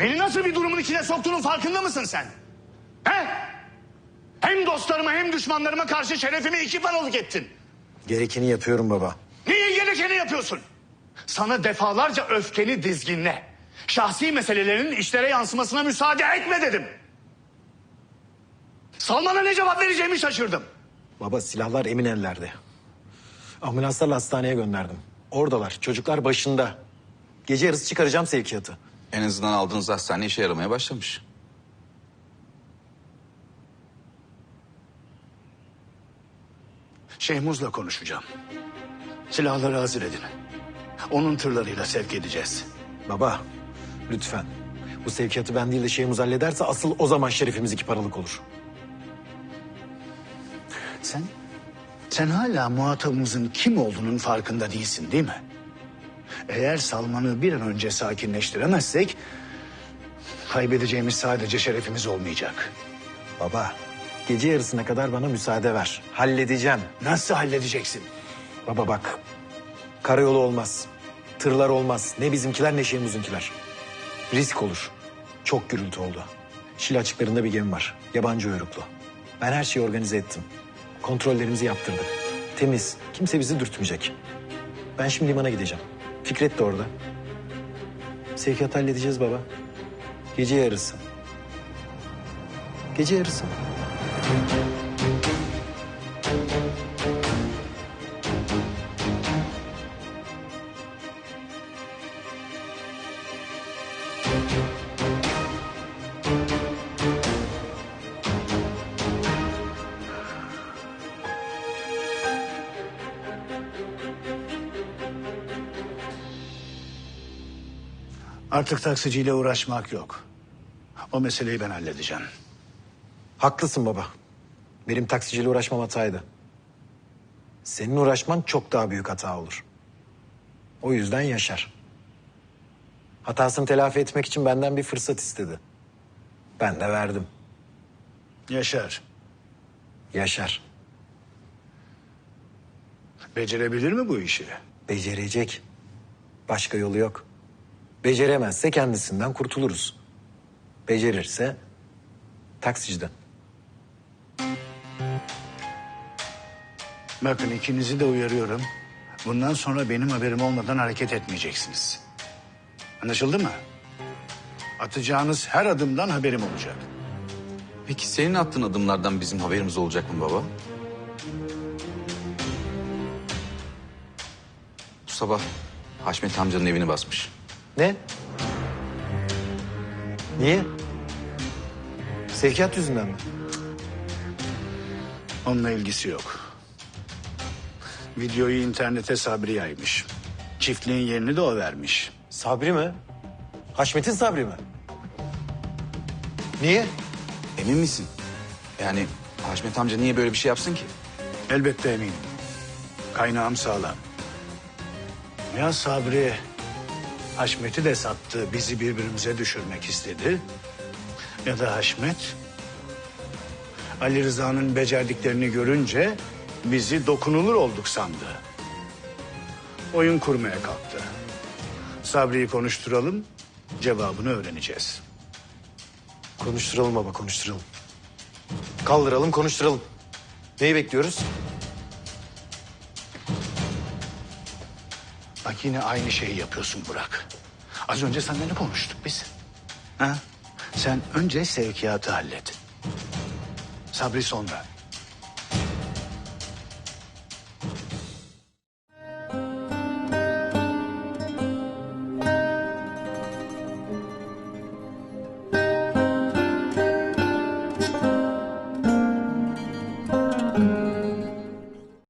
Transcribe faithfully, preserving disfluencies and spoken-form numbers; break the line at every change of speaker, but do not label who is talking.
Beni nasıl bir durumun içine soktuğunun farkında mısın sen? He? Hem dostlarıma hem düşmanlarıma karşı şerefimi iki paralık ettin.
Gerekeni yapıyorum baba.
Niye gerekeni yapıyorsun? Sana defalarca öfkeni dizginle. Şahsi meselelerinin işlere yansımasına müsaade etme dedim. Salman'a ne cevap vereceğimi şaşırdım.
Baba silahlar emin ellerde. Ambulanslarla hastaneye gönderdim. Oradalar, çocuklar başında. Gece yarısı çıkaracağım sevkiyatı.
En azından aldığınız hastane işe yaramaya başlamış.
Şehmuz'la konuşacağım. Silahları hazır edin. Onun tırlarıyla sevk edeceğiz.
Baba, lütfen. Bu sevkiyatı ben değil de Şeyhmuz hallederse asıl o zaman şerefimiz iki paralık olur.
Sen, sen hala muhatabımızın kim olduğunun farkında değilsin değil mi? Eğer Salman'ı bir an önce sakinleştiremezsek... kaybedeceğimiz sadece şerefimiz olmayacak.
Baba, gece yarısına kadar bana müsaade ver. Halledeceğim.
Nasıl halledeceksin?
Baba bak, karayolu olmaz. Tırlar olmaz. Ne bizimkiler ne Şeyhmuz'unkiler. Risk olur. Çok gürültü oldu. Şile açıklarında bir gemi var. Yabancı uyruklu. Ben her şeyi organize ettim. Kontrollerimizi yaptırdık. Temiz. Kimse bizi dürtmeyecek. Ben şimdi limana gideceğim. Fikret de orada. Sevkiyatı halledeceğiz baba. Gece yarısı. Gece yarısı.
Artık taksiciyle uğraşmak yok. O meseleyi ben halledeceğim.
Haklısın baba. Benim taksiciyle uğraşmam hataydı. Senin uğraşman çok daha büyük hata olur. O yüzden Yaşar. Hatasını telafi etmek için benden bir fırsat istedi. Ben de verdim.
Yaşar,
Yaşar.
becerebilir mi bu işi?
Becerecek. Başka yolu yok. Beceremezse kendisinden kurtuluruz. Becerirse taksiciden.
Bakın ikinizi de uyarıyorum. Bundan sonra benim haberim olmadan hareket etmeyeceksiniz. Anlaşıldı mı? Atacağınız her adımdan haberim olacak.
Peki senin attığın adımlardan bizim haberimiz olacak mı baba? Bu sabah Haşmet amcanın evini basmış.
Ne? Niye? Sevkiyat yüzünden mi?
Onunla ilgisi yok. Videoyu internete Sabri yaymış. Çiftliğin yerini de o vermiş.
Sabri mi? Haşmet'in Sabri mi? Niye?
Emin misin? Yani Haşmet amca niye böyle bir şey yapsın ki?
Elbette eminim. Kaynağım sağlam. Ya Sabri Haşmet'i de sattı, bizi birbirimize düşürmek istedi. Ya da Haşmet Ali Rıza'nın becerdiklerini görünce bizi dokunulur olduk sandı. Oyun kurmaya kalktı. Sabri'yi konuşturalım, cevabını öğreneceğiz.
Konuşturalım baba, konuşturalım. Kaldıralım, konuşturalım. Neyi bekliyoruz?
Bak yine aynı şeyi yapıyorsun Burak. Az önce seninle ne konuştuk biz? Ha? Sen önce sevkiyatı hallet. Sabri sonra.